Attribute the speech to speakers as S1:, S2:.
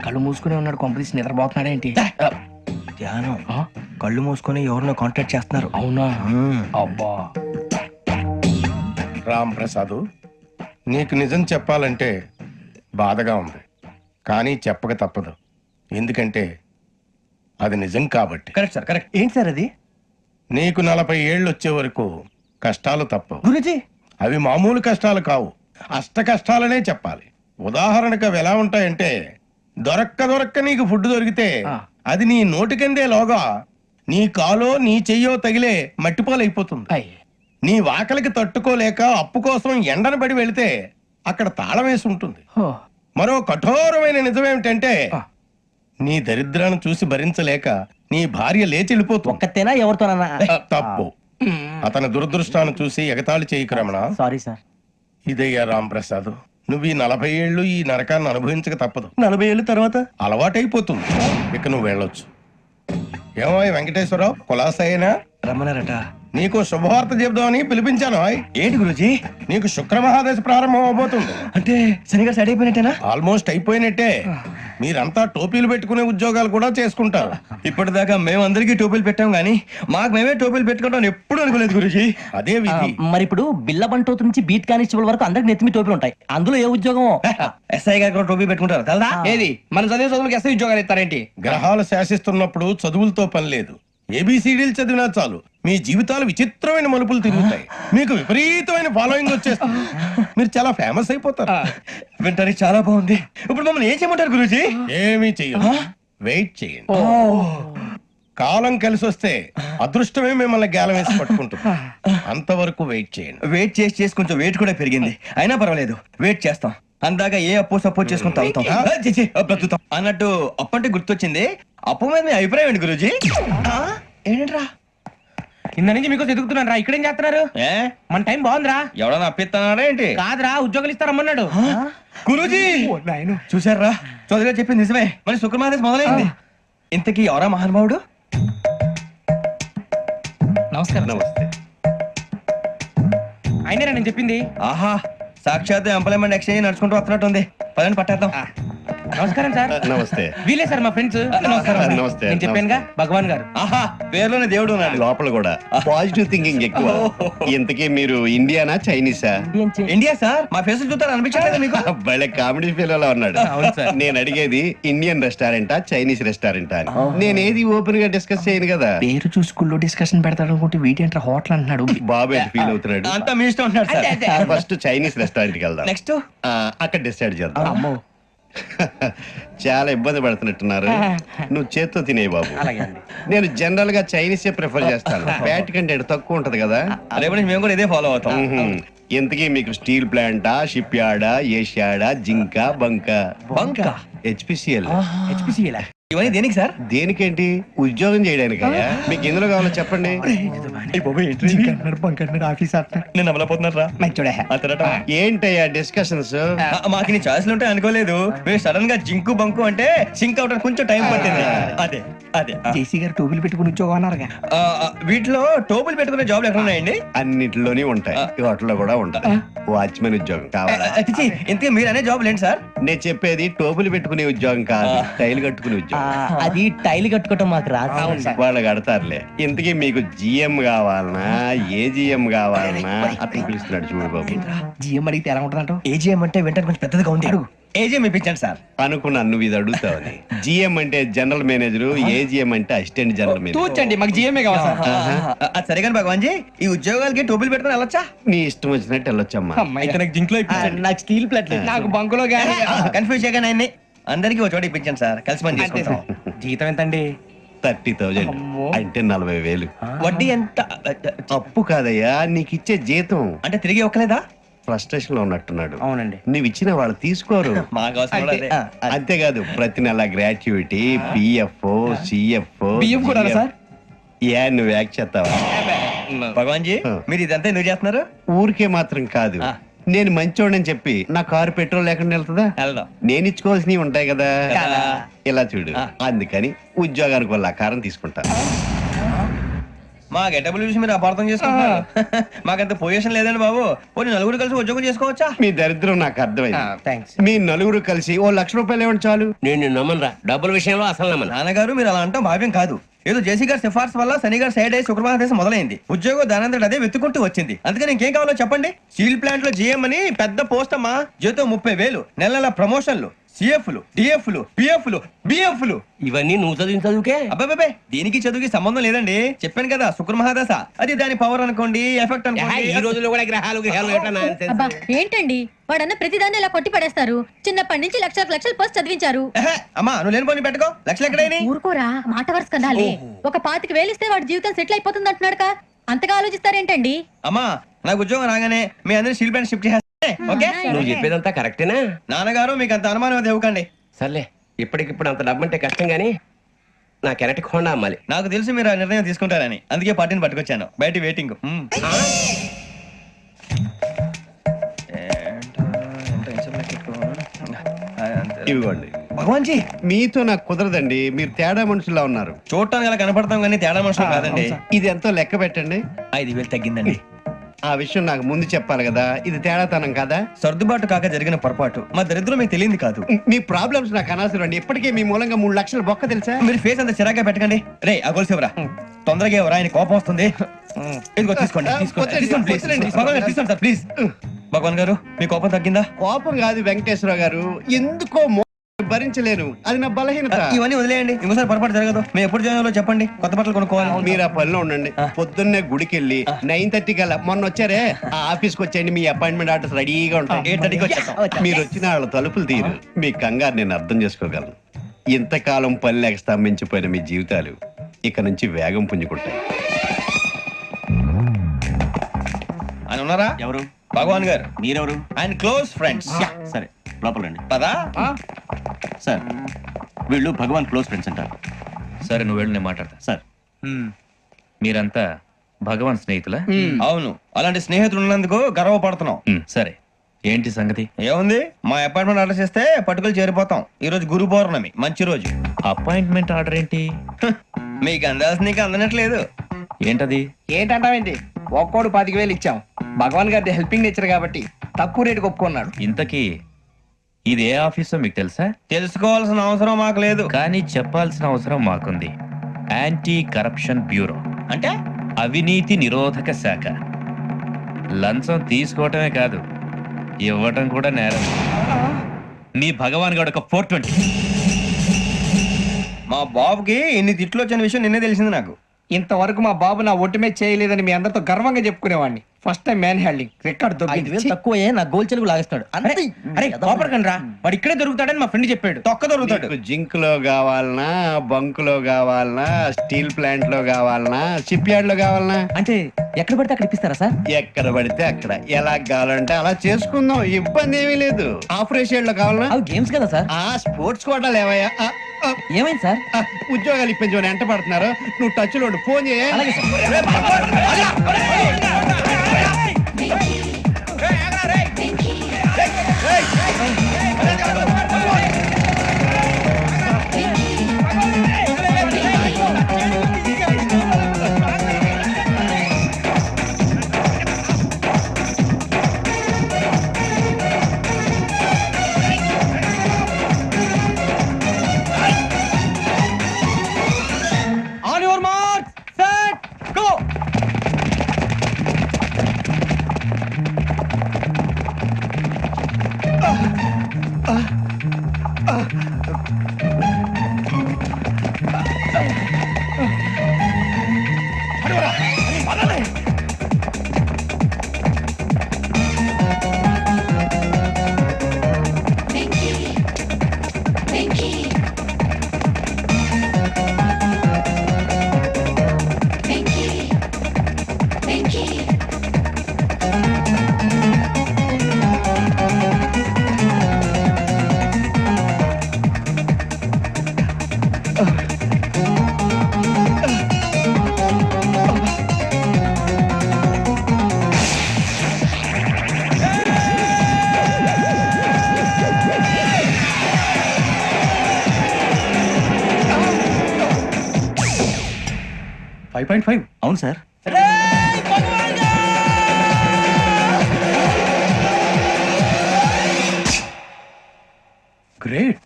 S1: కళ్ళు మూసుకునే ఉన్నాడు, కొంపదీసి నిద్రపోతున్నాడేంటి?
S2: ధ్యానం. కళ్ళు మూసుకొని ఎవరినో కాంటాక్ట్ చేస్తున్నారు.
S1: అవునా? అబ్బా.
S3: రామ్ ప్రసాద్, నీకు నిజం చెప్పాలంటే బాధగా ఉంది, కానీ చెప్పక తప్పదు. ఎందుకంటే అది నిజం కాబట్టి.
S2: Correct sir, correct. ఏంటి సార్ అది?
S3: నీకు 40 ఏళ్ళు వచ్చే వరకు కష్టాలు తప్పవు.
S2: గురుజీ,
S3: అవి మామూలు కష్టాలు కావు, అష్ట కష్టాలనే చెప్పాలి. ఉదాహరణకు అవి ఎలా ఉంటాయంటే, దొరక్క నీకు ఫుడ్ దొరికితే అది నీ నోటికందే లోగా నీ కాలో నీ చెయ్యో తగిలే మట్టిపాలైపోతుంది.
S1: అయ్.
S3: నీ వాకలికి తట్టుకోలేక అప్పు కోసం ఎండను పడి వెళితే అక్కడ తాళం వేసి ఉంటుంది.
S1: హో.
S3: మరో కఠోరమైన నిజమేమిటంటే, నీ దరిద్రాన్ని చూసి భరించలేక నీ భార్య లేచి వెళ్ళిపోతుంది.
S2: ఒక్కతేనా ఎవరితోనన్నా?
S3: తప్పు. అతని దురదృష్టాన్ని చూసి ఎగతాళి చేయకు రమణ.
S2: Sorry sir.
S3: ఇదయ్యా రాంప్రసాద్, నువ్వు ఈ 40 ఏళ్ళు ఈ నరకాన్ని అనుభవించక తప్పదు.
S2: 40 ఏళ్ళ తర్వాత
S3: అలవాటైపోతుంది. ఇక నువ్వు వెళ్ళొచ్చు. ఏమో వెంకటేశ్వరరావు, కులాసైనా
S2: రమ్మన్నారట.
S3: నీకు శుభవార్త చెబుదామని పిలిపించాను.
S2: ఏంటి గురుజీ?
S3: నీకు శుక్ర మహాదశ ప్రారంభం అవబోతుంది.
S2: అంటే శనిగా సెట్ అయిపోయినట్టేనా?
S3: ఆల్మోస్ట్ అయిపోయినట్టే. మీరంతా టోపీలు పెట్టుకునే ఉద్యోగాలు కూడా చేసుకుంటారు.
S2: ఇప్పటిదాకా మేమందరికీ టోపీలు పెట్టాం గానీ మాకు మేమే టోపీలు పెట్టుకుంటాం ఎప్పుడు అనుకోలేదు గురుజీ.
S3: అదే విధి.
S4: మరి ఇప్పుడు బిల్ల బంటోతు నుంచి బీట్ కానిస్టేబుల్ వరకు అందరికి నెత్తిమి టోపీలు ఉంటాయి. అందులో ఏ ఉద్యోగం?
S2: ఎస్ఐ గారు కూడా టోపీ పెట్టుకుంటారు తెలదా?
S1: ఏది మన చదివే చదువులకు ఎస్ఐ ఉద్యోగాలు ఇస్తారేంటి?
S3: గ్రహాలు శాసిస్తున్నప్పుడు చదువులతో పని లేదు. ఏబిసిడీలు చదివినా చాలు మీ జీవితాలు విచిత్రమైన మలుపులు తిరుగుతాయి. మీకు విపరీతమైన ఫాలోయింగ్ వచ్చేస్తుంది. మీరు చాలా ఫేమస్ అయిపోతారు.
S2: వింటానికి చాలా బాగుంది. ఇప్పుడు మమ్మల్ని ఏం చేయమంటారు గురుజీ?
S3: ఏమీ చెయ్యదు, వెయిట్ చేయండి. కాలం కలిసి వస్తే అదృష్టమే మిమ్మల్ని గేలం వేసి పట్టుకుంటుంది. అంతవరకు వెయిట్ చేయండి.
S2: వెయిట్ చేసి కొంచెం వెయిట్ కూడా పెరిగింది. అయినా పర్వాలేదు, వెయిట్ చేస్తాం. అందాక ఏ అప్పు సపోర్ట్ చేసుకుని తాగుతాం, బ్రతుకుతాం అన్నట్టు. అప్పు అంటే గుర్తొచ్చింది. అప్పు మీద మీ అభిప్రాయం ఏంటి గురుజీ? ఏంటరా
S1: కింద నుంచి మీకు ఎదుగుతున్నాను రా. ఇక్కడేం చేస్తున్నారు?
S2: ఏ
S1: మన టైం బాగుందిరా.
S2: ఎవడన్నా అప్పిస్తున్నారా ఏంటి?
S1: కాదురా, ఉద్యోగాలు ఇస్తారమ్మన్నాడు.
S2: గురూజీ చూసారా, చౌదరిగా చెప్పింది నిజమే. మరి శుక్రమాదేశ్ మొదలైంది. ఇంతకీ ఎవరా మహానుభావుడు?
S1: నమస్కారం.
S3: నమస్తే.
S1: అయినరా నేను చెప్పింది?
S2: ఆహా, సాక్షాత్ ఎంప్లాయ్మెంట్ ఎక్స్చేంజ్ నడుచుకుంటూ వస్తున్నట్టు ఉంది. పదండి పట్టేద్దాం.
S1: నమస్కారం సార్.
S5: నమస్తే.
S1: వీలే సార్ మా ఫ్రెండ్స్. నమస్కారం.
S5: నమస్తే.
S1: నేను చెప్పానుగా, భగవాన్ గారు.
S2: ఆహా, పేర్లోనే దేవుడు ఉన్నాడు.
S5: లోపల కూడా పాజిటివ్ థింకింగ్ ఎక్కువ. ఇంతకీ మీరు ఇండియానా చైనీసా?
S2: India sir. మా ఫేస్ చూస్తారు అనిపించలేదు మీకు?
S5: భలే కామెడీ ఫీల్ అలా ఉన్నాడు. నేను అడిగేది ఇండియన్ రెస్టారెంటా చైనీస్ రెస్టారెంటా అని. నేను ఏది ఓపెన్ గా డిస్కస్ చేయను కదా.
S1: పేరు చూసి స్కూల్లో డిస్కషన్ పెడతాడు అనుకుంటే వీటేంట్రా హోటల్ అంటున్నాడు.
S5: బాబు ఎట్ ఫీల్ అవుతున్నాడు.
S2: అంతా మీ ఇష్టం ఉంటున్నాడు సార్.
S5: ఫస్ట్ చైనీస్ రెస్టారెంట్ కి వెళ్దాం.
S2: నెక్స్ట్
S5: అక్కడ డిసైడ్ చేద్దాం. చాలా ఇబ్బంది పడుతున్నట్టున్నారు. నువ్వు చేత్తో తినే బాబు. నేను జనరల్ గా చైనీసే ప్రిఫర్ చేస్తాను. ఫ్యాట్ కంటెంట్ తక్కువ ఉంటది కదా.
S2: రేపు నుంచి మేము కూడా ఇదే ఫాలో అవుతాం.
S5: ఇంతకీ మీకు స్టీల్ ప్లాంటా, షిప్ యార్డా, ఏషియాడా, జింక, బంకా?
S2: బంకా,
S5: హెచ్పిసిఎల్.
S1: హెచ్పిసిఎల్
S2: ఇవన్నీ దేనికి సార్?
S5: దేనికేంటి? ఉద్యోగం చేయడానికి. మీకు ఎందులో కావాలో చెప్పండి.
S2: నేను అమలపోతున్నారా?
S5: ఏంటయ్యా డిస్కషన్స్?
S2: మాకు నీ ఛాయిస్లు ఉంటాయి అనుకోలేదు. మీరు సడన్ గా జింకు బంకు అంటే సింక్ అవడానికి కొంచెం టైం పట్టింది. అదే అదే
S1: జేసీ గారు టోపీలు పెట్టుకుని ఉద్యోగం అన్నారుగా.
S2: వీటిలో టోపులు పెట్టుకునే జాబ్లు ఎక్కడ ఉన్నాయండి?
S5: అన్నిటిలోనే ఉంటాయి, వాటిలో కూడా ఉంటాయి. వాచ్మెన్ ఉద్యోగం కావాలా?
S2: ఇంతకీ మీరు అనే జాబ్ ఏంటి సార్?
S5: నేను చెప్పేది టోపులు పెట్టుకునే ఉద్యోగం కాదు, టైల్ కట్టుకునే ఉద్యోగం.
S4: అది టైల్ కట్టుకోవటం మాకు రాదు.
S5: వాళ్ళు కడతారులే. ఇంతకీ మీకు జిఎం కావాలనా, ఏజిఎం కావాలనా? అతను పిలుస్తున్నాడు చూడు బాబు.
S1: జిఎం అడిగితే ఎలా ఉంటుందంట?
S2: ఏజీఎం అంటే వెంటనే కొంచెం పెద్దదిగా ఉంది. ఏజీఎం ఇప్పించండి సార్.
S5: అనుకున్నాను నువ్వు ఇది అడుగుతావని. జిఎం అంటే జనరల్ మేనేజర్, ఏజిఎం అంటే అసిస్టెంట్ జనరల్ మేనేజర్.
S1: తూచండి, మాకు జిఎంఏ కావాలి సార్.
S2: అది సరే కానీ భగవాన్ జీ, ఈ ఉద్యోగాలకి టోపులు పెట్టుకుని వెళ్ళొచ్చా?
S5: నీ ఇష్టం వచ్చినట్టు వెళ్ళొచ్చమ్మా.
S2: అయితే నాకు జింక్ లో
S4: నాకు స్టీల్ ప్లేట్
S1: నాకు బంకులో గానీ.
S2: కన్ఫ్యూజ్ చేయగానే ఆయన్ని అందరికీ ఒక చోట ఇప్పించండి సార్. కలిసి పని చేసుకుంటాం.
S1: జీతం ఎంతండి?
S5: 30,000 అంటే 40,000.
S2: వడ్డీ ఎంత?
S5: అప్పు కాదయ్యా, నీకు ఇచ్చే జీతం.
S2: అంటే తిరిగి ఒక్కలేదా?
S5: ఫ్రస్ట్రేషన్ లో ఉన్నట్టున్నాడు.
S1: అవునండి.
S5: నువ్వు ఇచ్చిన వాళ్ళు తీసుకోరు.
S2: మాకు అవసరం కూడా అదే.
S5: అంతేకాదు ప్రతి నెల గ్రాట్యుటీ, పిఎఫ్, సిఎఫ్.
S1: బియ్యం కూడా సార్?
S5: ఏ నువ్వు యాక్ చేస్తావా?
S2: భగవాన్ జీ, మీరు ఇదంతా ఎందుకు చేస్తున్నారు?
S5: ఊరికే మాత్రం కాదు, నేను మంచోడని చెప్పి నా కారు పెట్రోల్ లేకుండా వెళ్తుందా?
S2: వెళ్దాం.
S5: నేను ఇచ్చుకోవాల్సినవి ఉంటాయి కదా.
S2: కదా.
S5: ఇలా చూడు, అందుకని ఉద్యోగానికి వాళ్ళ ఆకారం తీసుకుంటా.
S2: మా గెటబుల్ చూసి మీరు అపార్థం చేసుకుంటున్నారు. మాకంత పొజిషన్ లేదండి బాబు. పోనీ నలుగురు కలిసి ఉద్యోగం చేసుకోవచ్చా?
S5: మీ దరిద్రం నాకు అర్థమైంది.
S1: థ్యాంక్స్.
S5: మీ నలుగురు కలిసి ఓ ₹1,00,000 ఇవ్వండి చాలు.
S6: నేను నమ్మనరా, డబ్బుల విషయంలో అసలు నమ్మను.
S2: నాన్నగారు మీరు అలా అంటాం భావ్యం కాదు. ఏదో జేసీ గారి సిఫార్సు వల్ల శని గారు సైడ్ అయ్యి శుక్రవారం దేశం మొదలైంది. ఉద్యోగం దానంతటి అదే వెతుకుంటూ వచ్చింది. అందుకని ఇంకేం కావాలో చెప్పండి. స్టీల్ ప్లాంట్ లో జీఎం అని పెద్ద పోస్ట్ అమ్మా. జీతం 30,000, నెల నెల ప్రమోషన్లు, సిఎఫ్లు, డిఎఫ్లు, పిఎఫ్లు, బిఎఫ్లు.
S6: ఇవన్నీ నువ్వు చదివిన చదువుకే.
S2: అబ్బాబే దీనికి చదువుకి సంబంధం లేదండి. చెప్పాను కదా శుక్ర మహాదశ. అది దాని పవర్ అనుకోండి, ఎఫెక్ట్
S6: ఈ
S2: అనుకోండి.
S6: రోజుల్లో కూడా గ్రహాలు ఏటా nonsense.
S7: అబ్బా ఏంటండి వాడన్న ప్రతిదాన్ని ఇలా కొట్టి పడేస్తారు. చిన్నప్పటి నుంచి లక్షలు పోస్ట్ చదివించారు.
S2: ఎహె, అమ్మా నువ్వు లేని పోనీ పెట్టుకో. లక్షలు ఎక్కడైనా
S7: ఊరుకోరా, మాట వరుస కదాలే. ఒక 25,000 ఇస్తే వాడి జీవితం సెటిల్ అయిపోతుంది అంటున్నాడు. అంతగా ఆలోచిస్తారేంటండి?
S2: అమ్మా నాకు ఉద్యోగం రాగానే మీ అందరినీ స్టీల్ ప్లాంట్ షిఫ్ట్ చేస్తే ఓకే.
S6: నువ్వు చెప్పేదంతా కరెక్టేనా?
S2: నాన్నగారు మీకు అంత అనుమానం అది ఇవ్వకండి.
S6: సర్లే, ఇప్పటికిప్పుడు అంత డబ్బు అంటే కష్టం గానీ నా కెనటిక్ హోండా అమ్మాలి.
S2: నాకు తెలుసు మీరు ఆ నిర్ణయం తీసుకుంటారని, అందుకే పార్టీని పట్టుకొచ్చాను. బయట వెయిటింగ్.
S5: ఇవ్వండి.
S2: భగవాన్ జీ
S5: మీతో నాకు కుదరదండి. మీరు తేడా మనుషుల్లా ఉన్నారు.
S2: చూడటానికి అలా కనపడతాం కానీ తేడా మనుషులు కాదండి.
S5: ఇది ఎంతో లెక్క పెట్టండి.
S2: 5,000 తగ్గిందండి.
S5: ఆ విషయం నాకు ముందు చెప్పాలి కదా. ఇది తేడాతనం కదా.
S2: సర్దుబాటు కాక జరిగిన పొరపాటు. మా దరిద్రం మీకు తెలియంది కాదు.
S5: మీ ప్రాబ్లమ్స్ నాకు అనవసరం అండి. ఇప్పటికే మీ మూలంగా 3 లక్షల బొక్క తెలుసా.
S2: మీరు ఫేస్ అంత చిరాగ్గా పెట్టకండి. రే ఆ గొలుసేవరా తొందరగా ఎవరా, ఆయన కోపం వస్తుంది. ఇదిగో తీసుకోండి. తీసుకోండి ప్లీజ్. భగవాన్ గారు తీసుకోండి సార్ ప్లీజ్. భగవాన్ గారు మీ కోపం తగ్గిందా?
S5: కోపం కాదు వెంకటేశ్వర గారు, ఎందుకో భరించలేను. అది నా బలహీనత.
S2: ఇవన్నీ వదిలేయండి. ఇంకోసారి పొరపాటు జరగదు. మేము ఎప్పుడు జాయిన్ చెప్పండి. కొత్త బట్టలు కొనుక్కోవాలి.
S5: మీరు ఆ పనిలో ఉండండి. పొద్దున్నే గుడికి వెళ్ళి 9:30 కల్లా, మొన్న వచ్చారే ఆ ఆఫీస్కి వచ్చేయండి. మీ అపాయింట్మెంట్ ఆర్డర్స్ రెడీగా ఉంటాయి.
S2: 8:30కి వచ్చేస్తాం.
S5: మీరు వచ్చిన వాళ్ళ తలుపులు తీరు. మీ కంగారు నేను అర్థం చేసుకోగలను. ఇంతకాలం పని లేక స్తంభించిపోయిన మీ జీవితాలు ఇక నుంచి వేగం పుంజుకుంటాయి.
S2: ఆయన ఉన్నారా?
S8: ఎవరు?
S2: భగవాన్ గారు.
S8: మీరెవరు?
S2: ఆయన క్లోజ్ ఫ్రెండ్స్.
S8: సరే లోపలండి.
S2: పదా
S8: సార్ వీళ్ళు భగవాన్ క్లోజ్ ఫ్రెండ్స్ అంటారు.
S9: సరే నువ్వు వెళ్ళు, నేను మాట్లాడతా.
S8: సార్
S9: మీరంతా భగవాన్ స్నేహితులా?
S2: అవును, అలాంటి స్నేహితులు ఉన్నందుకు గర్వపడుతున్నాం.
S9: సరే, ఏంటి సంగతి?
S2: ఏముంది, మా అపాయింట్మెంట్ ఆర్డర్ చేస్తే పట్టుకులు చేరిపోతాం. ఈ రోజు గురు పౌర్ణమి, మంచి రోజు.
S9: అపాయింట్మెంట్ ఆర్డర్ ఏంటి?
S2: మీకు అందాల్సిన నీకు అందనట్లేదు.
S9: ఏంటది?
S1: ఏంటంటావేంటి? ఒక్కోడు 25,000 ఇచ్చాం. భగవాన్ గారి హెల్పింగ్ నేచర్ కాబట్టి తక్కువ రేటుకి ఒప్పుకున్నాడు.
S9: ఇంతకీ ఇది ఏ ఆఫీసో మీకు తెలుసా?
S2: తెలుసుకోవాల్సిన అవసరం మాకు లేదు.
S9: కానీ చెప్పాల్సిన అవసరం మాకుంది. యాంటీ కరప్షన్ బ్యూరో,
S2: అంటే
S9: అవినీతి నిరోధక శాఖ. లంచం తీసుకోవటమే కాదు, ఇవ్వటం కూడా నేరం. మీ భగవాన్ గారు ఒక 420.
S2: మా బాబుకి ఇన్ని తిట్లు వచ్చిన విషయం నిన్నే తెలిసింది నాకు.
S1: ఇంతవరకు మా బాబు నా ఒట్టుమే చేయలేదని మీ అందరితో గర్వంగా చెప్పుకునేవాడిని. First time man handing record
S4: 5,000 తక్కువే నా గోల్ చెలుగు లాగేస్తాడు.
S1: అరే కోపడకండి రా, వాడు ఇక్కడే దొరుకుతాడని మా ఫ్రెండ్ చెప్పాడు.
S2: తొక్క దొరుకుతాడు.
S5: మీకు జింక్ లో కావాలనా, బంక్ లో కావాలనా, స్టీల్ ప్లాంట్ లో కావాలనా, షిప్ యార్డ్ లో కావాలనా?
S4: అంటే ఎక్కడ పడితే అక్కడ ఇప్పిస్తారా సార్?
S5: ఎక్కడ పడితే అక్కడ, ఎలా కావాలంటే అలా చేసుకుందాం. ఇబ్బంది ఏమీ లేదు. ఆపరేషన్ లో కావాలనా?
S4: అవి గేమ్స్ కదా సార్.
S5: ఆ స్పోర్ట్స్ కోటాలు ఏవయ్యా?
S4: ఏమైంది సార్?
S5: ఉద్యోగాలు ఇప్పించమని ఎంట పడుతున్నారు. నువ్వు టచ్ లో ఫోన్ చేయ.
S4: అలాగే sir.
S2: On your mark set go.
S8: 5.5 అవును సార్.
S3: గ్రేట్